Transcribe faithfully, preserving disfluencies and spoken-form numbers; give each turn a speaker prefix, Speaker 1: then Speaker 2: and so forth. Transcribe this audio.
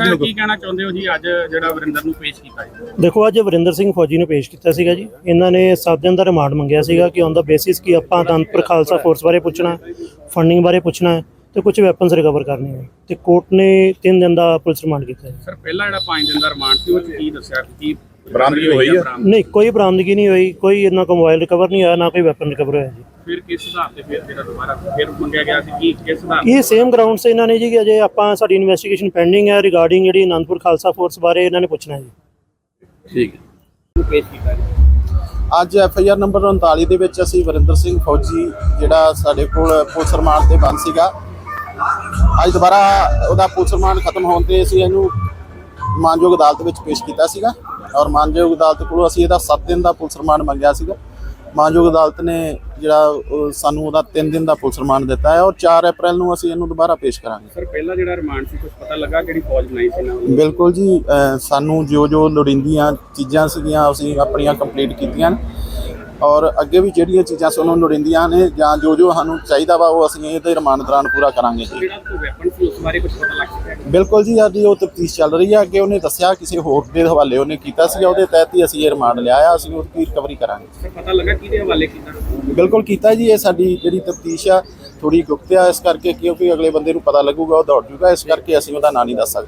Speaker 1: Sir
Speaker 2: ਨੂੰ
Speaker 1: ਕੀ ਕਹਿਣਾ ਚਾਹੁੰਦੇ ਹੋ ਜੀ ਅੱਜ ਜਿਹੜਾ ਵਰਿੰਦਰ ਨੂੰ ਪੇਸ਼ ਕੀਤਾ ਜੀ?
Speaker 3: ਦੇਖੋ ਅੱਜ ਵਰਿੰਦਰ ਸਿੰਘ ਫੌਜੀ ਨੂੰ ਪੇਸ਼ ਕੀਤਾ ਸੀਗਾ ਜੀ। ਇਹਨਾਂ ਨੇ ਸੱਤ ਦਿਨ ਦਾ ਰਿਮਾਂਡ ਮੰਗਿਆ ਸੀਗਾ ਕਿ ਔਨ ਦਾ ਬੇਸਿਸ ਕਿ ਆਪਾਂ ਅਨੰਦਪੁਰ ਖਾਲਸਾ ਫੋਰਸ ਬਾਰੇ ਪੁੱਛਣਾ, ਫੰਡਿੰਗ ਬਾਰੇ ਪੁੱਛਣਾ ਤੇ ਕੁਝ ਵੈਪਨਸ ਰਿਕਵਰ ਕਰਨੇ ਹੈ ਤੇ ਕੋਰਟ ਨੇ ਤਿੰਨ ਦਿਨ ਦਾ ਪੁਲਿਸ ਰਿਮਾਂਡ ਕੀਤਾ ਹੈ।
Speaker 1: ਸਰ ਪਹਿਲਾਂ ਜਿਹੜਾ ਪੰਜ ਦਿਨ ਦਾ ਰਿਮਾਂਡ ਸੀ ਉਹ 'ਚ ਕੀ ਦੱਸਿਆ ਕਿ ਕੀ
Speaker 2: ਬਰਾਮਦਗੀ ਹੋਈ ਹੈ?
Speaker 3: ਨਹੀਂ, ਕੋਈ ਬਰਾਮਦਗੀ ਨਹੀਂ ਹੋਈ, ਕੋਈ ਇਹਨਾਂ ਕੋਲ ਮੋਬਾਈਲ ਰਿਕਵਰ ਨਹੀਂ ਹੋਇਆ, ਨਾ ਕੋਈ ਵੈਪਨ ਰਿਕਵਰ ਹੋਇਆ ਜੀ।
Speaker 1: ਫਿਰ ਕਿਸ ਹਿਸਾਬ ਤੇ ਫਿਰ ਜਿਹੜਾ ਦੁਬਾਰਾ ਫਿਰ ਮੰਗਿਆ ਗਿਆ ਸੀ ਕੀ ਕਿਸ ਹਿਸਾਬ
Speaker 3: ਇਹ ਸੇਮ ਗਰਾਊਂਡ ਸੇ ਇਹਨਾਂ ਨੇ ਜੀ ਕਿ ਅਜੇ ਆਪਾਂ ਸਾਡੀ ਇਨਵੈਸਟੀਗੇਸ਼ਨ ਪੈਂਡਿੰਗ ਹੈ ਰਿਗਾਰਡਿੰਗ ਜਿਹੜੀ ਅਨੰਦਪੁਰ ਖਾਲਸਾ ਫੋਰਸ ਬਾਰੇ ਇਹਨਾਂ ਨੇ ਪੁੱਛਣਾ ਜੀ।
Speaker 2: ਠੀਕ ਹੈ।
Speaker 1: ਨੂੰ ਪੇਸ਼ ਕੀਤਾ ਜੀ?
Speaker 4: ਅੱਜ ਐਫ ਆਈ ਆਰ ਨੰਬਰ ਉਨਤਾਲੀ ਦੇ ਵਿੱਚ ਅਸੀਂ ਵਰਿੰਦਰ ਸਿੰਘ ਫੌਜੀ ਜਿਹੜਾ ਸਾਡੇ ਕੋਲ ਪੁਲਿਸ ਰਿਮਾਂਡ ਤੇ ਬੰਦ ਸੀਗਾ, ਅੱਜ ਦੁਬਾਰਾ ਉਹਦਾ ਪੁਲਿਸ ਰਿਮਾਂਡ ਖਤਮ ਹੋਣ ਤੇ ਅਸੀਂ ਇਹਨੂੰ ਮਾਨਯੋਗ ਅਦਾਲਤ ਵਿੱਚ ਪੇਸ਼ ਕੀਤਾ ਸੀਗਾ ਔਰ ਮਾਨਯੋਗ ਅਦਾਲਤ ਕੋਲੋਂ ਅਸੀਂ ਇਹਦਾ ਸੱਤ ਦਿਨ ਦਾ ਪੁਲਿਸ ਰਿਮਾਂਡ ਮੰਗਿਆ ਸੀਗਾ। ਮਾਨਯੋਗ ਅਦਾਲਤ ਨੇ ਜਿਹੜਾ ਉਹ ਸਾਨੂੰ ਉਹਦਾ ਤਿੰਨ ਦਿਨ ਦਾ ਪੁਲਿਸ ਰਿਮਾਂਡ ਦਿੱਤਾ ਹੈ ਔਰ ਚਾਰ ਅਪ੍ਰੈਲ ਨੂੰ ਅਸੀਂ ਇਹਨੂੰ ਦੁਬਾਰਾ ਪੇਸ਼ ਕਰਾਂਗੇ।
Speaker 1: ਸਰ ਪਹਿਲਾਂ ਜਿਹੜਾ ਰਿਮਾਂਡ ਸੀ ਕੁਝ ਪਤਾ ਲੱਗਾ ਕਿਹੜੀ ਫੌਜ ਬਣਾਈ ਸੀ ਨਾ?
Speaker 4: ਬਿਲਕੁਲ ਜੀ, ਅ, ਸਾਨੂੰ ਜੋ ਜੋ ਲੋੜੀਂਦੀਆਂ ਚੀਜ਼ਾਂ ਸੀਗੀਆਂ ਅਸੀਂ ਆਪਣੀਆਂ ਕੰਪਲੀਟ ਕੀਤੀਆਂ ਔਰ ਅੱਗੇ ਵੀ ਜਿਹੜੀਆਂ ਚੀਜ਼ਾਂ ਸਾਨੂੰ ਲੋੜੀਂਦੀਆਂ ਨੇ ਜਾਂ ਜੋ ਜੋ ਸਾਨੂੰ ਚਾਹੀਦਾ ਵਾ ਉਹ ਅਸੀਂ ਇਹਦੇ ਰਿਮਾਂਡ ਦੌਰਾਨ ਪੂਰਾ ਕਰਾਂਗੇ ਜੀ।
Speaker 1: ਜਿਹੜਾ ਕੋਈ ਵੈਪਨ ਸੀ ਉਸ ਬਾਰੇ ਕੁਝ ਪਤਾ ਲੱਗ ਸਕਿਆ?
Speaker 4: ਬਿਲਕੁਲ ਜੀ, ਸਾਡੀ ਉਹ ਤਫਤੀਸ਼ ਚੱਲ ਰਹੀ ਹੈ। ਅੱਗੇ ਉਹਨੇ ਦੱਸਿਆ ਕਿਸੇ ਹੋਰ ਦੇ ਹਵਾਲੇ ਉਹਨੇ ਕੀਤਾ ਸੀ, ਉਹਦੇ ਤਹਿਤ ਹੀ ਅਸੀਂ ਇਹ ਰਿਮਾਂਡ ਲਿਆ ਆ, ਅਸੀਂ ਉਹਦੀ ਰਿਕਵਰੀ ਕਰਾਂਗੇ।
Speaker 1: ਸਰ ਪਤਾ ਲੱਗਾ ਕਿਹਦੇ ਹਵਾਲੇ ਕੀਤਾ?
Speaker 4: ਬਿਲਕੁਲ ਕੀਤਾ ਜੀ, ਇਹ ਸਾਡੀ ਜਿਹੜੀ ਤਫਤੀਸ਼ ਆ ਥੋੜੀ ਗੁਪਤ ਆ, ਇਸ ਕਰਕੇ ਕਿਉਂਕਿ ਅਗਲੇ ਬੰਦੇ ਨੂੰ ਪਤਾ ਲੱਗੂਗਾ ਉਹ ਦੌੜ ਜੂਗਾ, ਇਸ ਕਰਕੇ ਅਸੀਂ ਉਹਦਾ ਨਾਂ ਨਹੀਂ ਦੱਸ ਸਕਦੇ।